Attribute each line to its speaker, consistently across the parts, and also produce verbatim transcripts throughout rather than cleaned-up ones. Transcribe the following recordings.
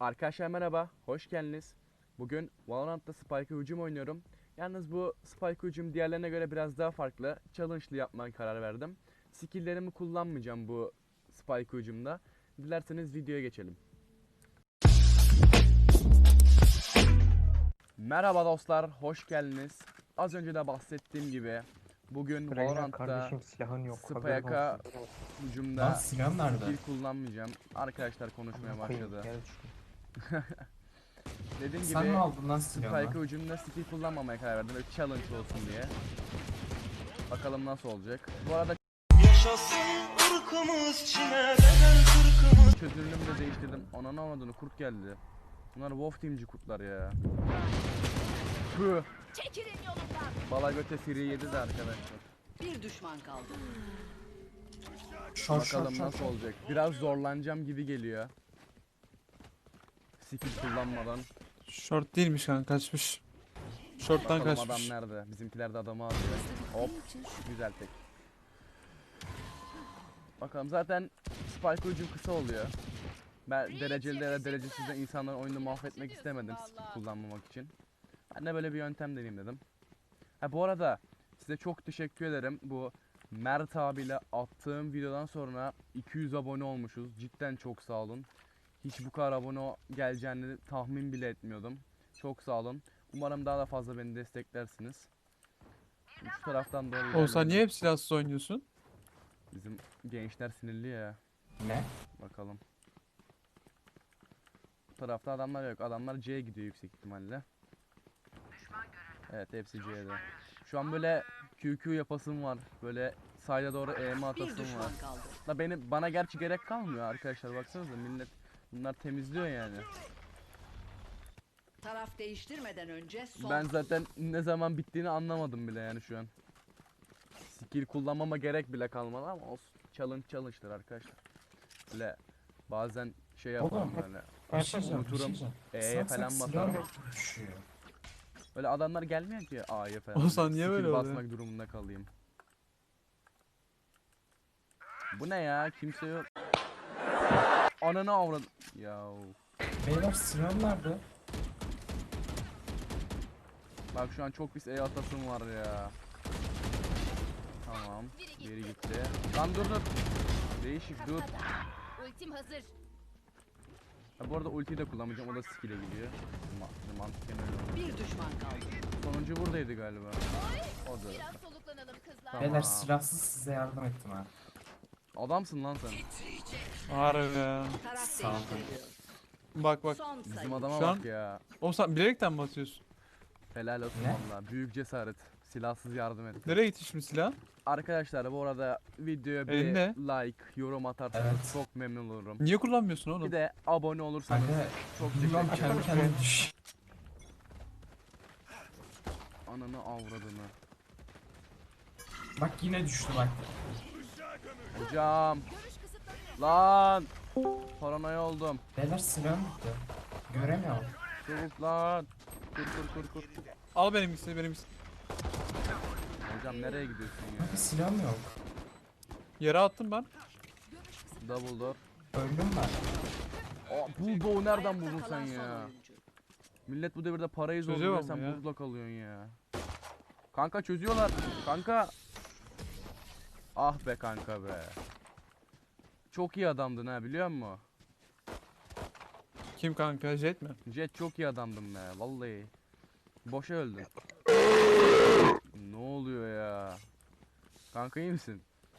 Speaker 1: Arkadaşlar merhaba, hoş geldiniz. Bugün Valorant'ta Spike'a hücum oynuyorum. Yalnız bu Spike hücum diğerlerine göre biraz daha farklı. Challenge'lı yapmaya karar verdim. Skill'lerimi kullanmayacağım bu Spike hücumda. Dilerseniz videoya geçelim. Merhaba dostlar, hoş geldiniz. Az önce de bahsettiğim gibi bugün
Speaker 2: Reyna
Speaker 1: Valorant'ta
Speaker 2: kardeşim silahın yok. haberin
Speaker 1: Spike'a
Speaker 2: olsun.
Speaker 3: Lan
Speaker 1: hücumda
Speaker 3: silah nerede?
Speaker 1: skill kullanmayacağım. Arkadaşlar konuşmaya
Speaker 2: Amına koyayım,
Speaker 1: başladı.
Speaker 2: yere düştüm.
Speaker 1: Dediğim
Speaker 3: Sen
Speaker 1: gibi
Speaker 3: mi aldın lan silahını?
Speaker 1: Spike'a hücumda skill kullanmamaya karar verdim. Böyle challenge olsun diye. Bakalım nasıl olacak. Bu arada
Speaker 4: Yaşasın ırkımız Çin'e bedel kırkımız.
Speaker 1: çözünürlüğümü de değiştirdim. Ananı avradını kurt geldi. Bunlar Wolf Team'ci kurtlar ya. Püh.
Speaker 5: Çekilin yolumdan.
Speaker 1: Balagöte Siri yedi de arkadaşlar.
Speaker 5: Bir düşman kaldı.
Speaker 3: Şort şort
Speaker 1: Bakalım
Speaker 3: şort.
Speaker 1: nasıl olacak. Biraz zorlanacağım gibi geliyor. Skill kullanmadan.
Speaker 6: Short değilmiş kanka, kaçmış. Short'tan
Speaker 1: Bakalım adam
Speaker 6: kaçmış.
Speaker 1: nerede? Bizimkiler de adamı alıyor. Hop. Güzel tek. Bakalım zaten Spike hücum kısa oluyor. Ben dereceli de derecesiz de insanların oyunu mahvetmek istemedim skill kullanmamak için. Ben de böyle bir yöntem deneyeyim dedim. Ha bu arada size çok teşekkür ederim. Bu Mert abiyle attığım videodan sonra iki yüz abone olmuşuz. Cidden çok sağ olun. Hiç bu kadar abone geleceğini tahmin bile etmiyordum. Çok sağ olun. Umarım daha da fazla beni desteklersiniz. Şu taraftan doğru
Speaker 6: Oğuzhan
Speaker 1: ilerleyelim.
Speaker 6: niye hep silahsız oynuyorsun?
Speaker 1: Bizim gençler sinirli ya.
Speaker 3: Ne?
Speaker 1: Bakalım. Bu tarafta adamlar yok. Adamlar C'ye gidiyor yüksek ihtimalle. Evet hepsi C'de. Şu an böyle Q Q yapasım var. Böyle sayda doğru E M
Speaker 5: Bir
Speaker 1: atasım var.
Speaker 5: düşman kaldı.
Speaker 1: Da benim bana gerçi gerek kalmıyor arkadaşlar, baksanıza millet bunlar temizliyor yani.
Speaker 5: Taraf değiştirmeden önce son.
Speaker 1: Ben zaten ne zaman bittiğini anlamadım bile yani şu an. Skill kullanmama gerek bile kalmadı ama olsun. Challenge challenge'dır arkadaşlar. Böyle bazen şey yaparım
Speaker 3: Oğlum,
Speaker 1: böyle.
Speaker 3: Bir şey diyeceğim, bir şey
Speaker 1: Unuturum.
Speaker 3: diyeceğim.
Speaker 1: E'ye
Speaker 3: Sen-
Speaker 1: falan
Speaker 3: sen
Speaker 1: basarım.
Speaker 3: silahla düşüyor.
Speaker 1: Böyle adamlar gelmiyor ki A'ya falan.
Speaker 6: Oğuzhan niye
Speaker 1: Skill
Speaker 6: böyle oluyor?
Speaker 1: basmak durumunda kalayım. Bu ne ya? Kimse yok. Ananı avradım. Yav.
Speaker 3: Beyler silahım nerede?
Speaker 1: Bak şu an çok pis E atasım var ya. Tamam. Geri gitti. Lan dur dur. Değişik dur.
Speaker 5: Ultim hazır.
Speaker 1: Ha, bu arada ultiyi de kullanmayacağım. O da skill'e gidiyor. Ma mantıken öyle.
Speaker 5: Bir düşman kaldı.
Speaker 1: Sonuncu buradaydı galiba. O da.
Speaker 5: Biraz soluklanalım kızlar.
Speaker 1: Tamam.
Speaker 3: Beyler silahsız size yardım ettim ha.
Speaker 1: Adamsın lan sen.
Speaker 6: Harbi ya.
Speaker 5: Taraf
Speaker 3: Sağ ol.
Speaker 5: değiştiriliyor.
Speaker 6: Bak bak.
Speaker 5: Son sayı.
Speaker 1: Bizim adama
Speaker 6: Şu
Speaker 1: bak
Speaker 6: an-
Speaker 1: ya.
Speaker 6: Oğuzhan bilerekten mi atıyorsun?
Speaker 1: Helal olsun
Speaker 3: Ne?
Speaker 1: valla. Büyük cesaret. Silahsız yardım et.
Speaker 6: Nereye gitti şimdi silah?
Speaker 1: Arkadaşlar bu arada videoya bir
Speaker 6: Elinde.
Speaker 1: like, yorum atarsanız
Speaker 3: Evet.
Speaker 1: çok memnun olurum.
Speaker 6: Niye kullanmıyorsun
Speaker 1: Bir
Speaker 6: oğlum?
Speaker 1: de abone olursanız
Speaker 3: Kanka
Speaker 1: çok
Speaker 3: bilmem
Speaker 1: teşekkür
Speaker 3: kendi
Speaker 1: ederim.
Speaker 3: kendine düş.
Speaker 1: Ananı avradını.
Speaker 3: Bak yine düştü bak.
Speaker 1: Hocam. Lan. Paranoya oldum.
Speaker 3: Beyler silahım bitti. Göremiyorum.
Speaker 1: Çabuk lan. Kur kur kur kur.
Speaker 6: Al benimkisini benimkisini.
Speaker 1: Hocam nereye gidiyorsun ya?
Speaker 3: Kanka silahım yok.
Speaker 6: Yere attım ben.
Speaker 1: Double door.
Speaker 3: Öldüm ben.
Speaker 1: Aa, bulldoğu nereden
Speaker 5: Ayakta
Speaker 1: buldun sen
Speaker 5: kalan son
Speaker 1: ya?
Speaker 5: oyuncu.
Speaker 1: Millet bu devirde parayı
Speaker 6: Çözüyor
Speaker 1: zorluyor,
Speaker 6: mu
Speaker 1: sen
Speaker 6: ya?
Speaker 1: bulldoğ kalıyorsun ya. Kanka çözüyorlar. Kanka. Ah be kanka be. Çok iyi adamdın ha, biliyor musun?
Speaker 6: Kim kanka? Jet mi?
Speaker 1: Jet çok iyi adamdın be vallahi. Boşa öldün. Ne oluyor ya? Kanka iyi misin?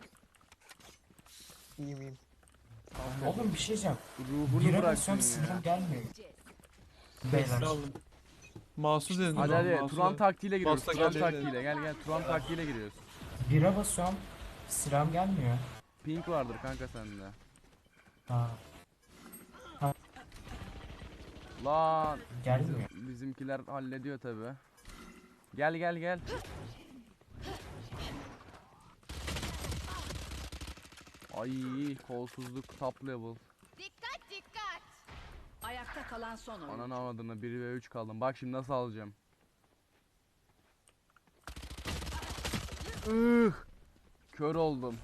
Speaker 2: İyiyim iyiyim.
Speaker 3: Oğlum bir şey diyeceğim.
Speaker 1: Ruhunu
Speaker 3: Bire
Speaker 1: bıraktın
Speaker 3: basıyorum
Speaker 1: ya.
Speaker 3: silahım gelmiyor.
Speaker 6: Beyler.
Speaker 3: Beyler.
Speaker 6: aldım. Masuz dedin.
Speaker 1: Hadi
Speaker 6: o zaman,
Speaker 1: hadi
Speaker 6: Masuz
Speaker 1: Turan
Speaker 6: dedin.
Speaker 1: taktiğiyle giriyoruz.
Speaker 6: Basta
Speaker 1: Turan
Speaker 6: geldi.
Speaker 1: taktiğiyle gel gel Turan taktiğiyle giriyoruz.
Speaker 3: Bire basıyorum silahım gelmiyor.
Speaker 1: Pink vardır kanka sende.
Speaker 3: Ha
Speaker 1: Lan
Speaker 3: gelmiyor.
Speaker 1: bizimkiler hallediyor tabi. Gel gel gel. Ay kolsuzluk top level.
Speaker 5: Dikkat dikkat. Ayakta kalan son oyuncu.
Speaker 1: Ananı avradını bir ve üç kaldım. Bak şimdi nasıl alacağım. Ih! Kör oldum.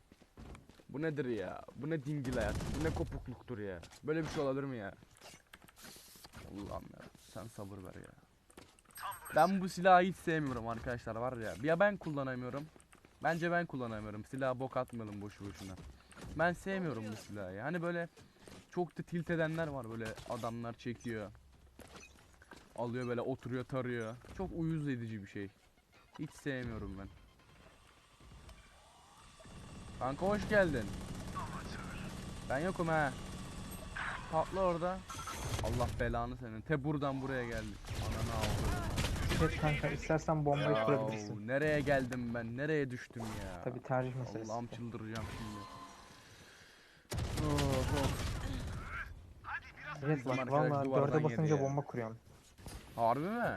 Speaker 1: Bu nedir ya? Bu ne dingil hayat? Bu ne kopukluktur ya? Böyle bir şey olabilir mi ya? Allah'ım ya sen sabır ver ya. Ben bu silahı hiç sevmiyorum arkadaşlar var ya. Ya ben kullanamıyorum. Bence ben kullanamıyorum. Silaha bok atmayalım boşu boşuna. Ben sevmiyorum bu silahı. Hani böyle çok da tilt edenler var, böyle adamlar çekiyor. Alıyor böyle oturuyor tarıyor. Çok uyuz edici bir şey. Hiç sevmiyorum ben. Kanka hoş geldin. Ben yokum ha. Patla orada. Allah belanı senin. Te buradan buraya geldik. Ananı avradım.
Speaker 2: Evet kanka, istersen bombayı kurabilirsin.
Speaker 1: Yahu, nereye geldim ben? Nereye düştüm ya?
Speaker 2: Tabi tercih meselesi.
Speaker 1: Allah'ım çıldıracağım şimdi. Of, of.
Speaker 2: Evet
Speaker 1: Bizim
Speaker 2: bak
Speaker 1: arkadaş
Speaker 2: valla
Speaker 1: duvardan
Speaker 2: dörde
Speaker 1: yedi
Speaker 2: basınca
Speaker 1: ya.
Speaker 2: bomba kuruyorum.
Speaker 1: Harbi mi?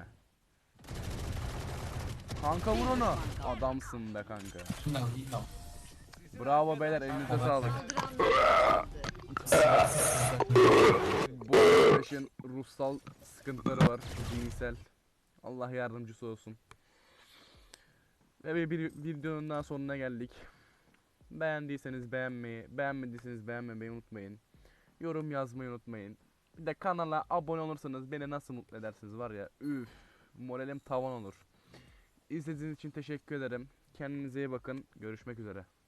Speaker 1: Kanka vur onu. Adamsın be kanka.
Speaker 3: Yine al, yine al.
Speaker 1: Bravo beyler, elinize sağlık.
Speaker 5: Saldıranlar
Speaker 1: Bu arkadaşın ruhsal sıkıntıları var, zihinsel. Allah yardımcısı olsun. Ve bir, bir videonun daha sonuna geldik. Beğendiyseniz beğenmeyi, beğenmediyseniz beğenmemeyi unutmayın. Yorum yazmayı unutmayın. Bir de kanala abone olursanız beni nasıl mutlu edersiniz var ya. Üf, moralim tavan olur. İzlediğiniz için teşekkür ederim. Kendinize iyi bakın. Görüşmek üzere.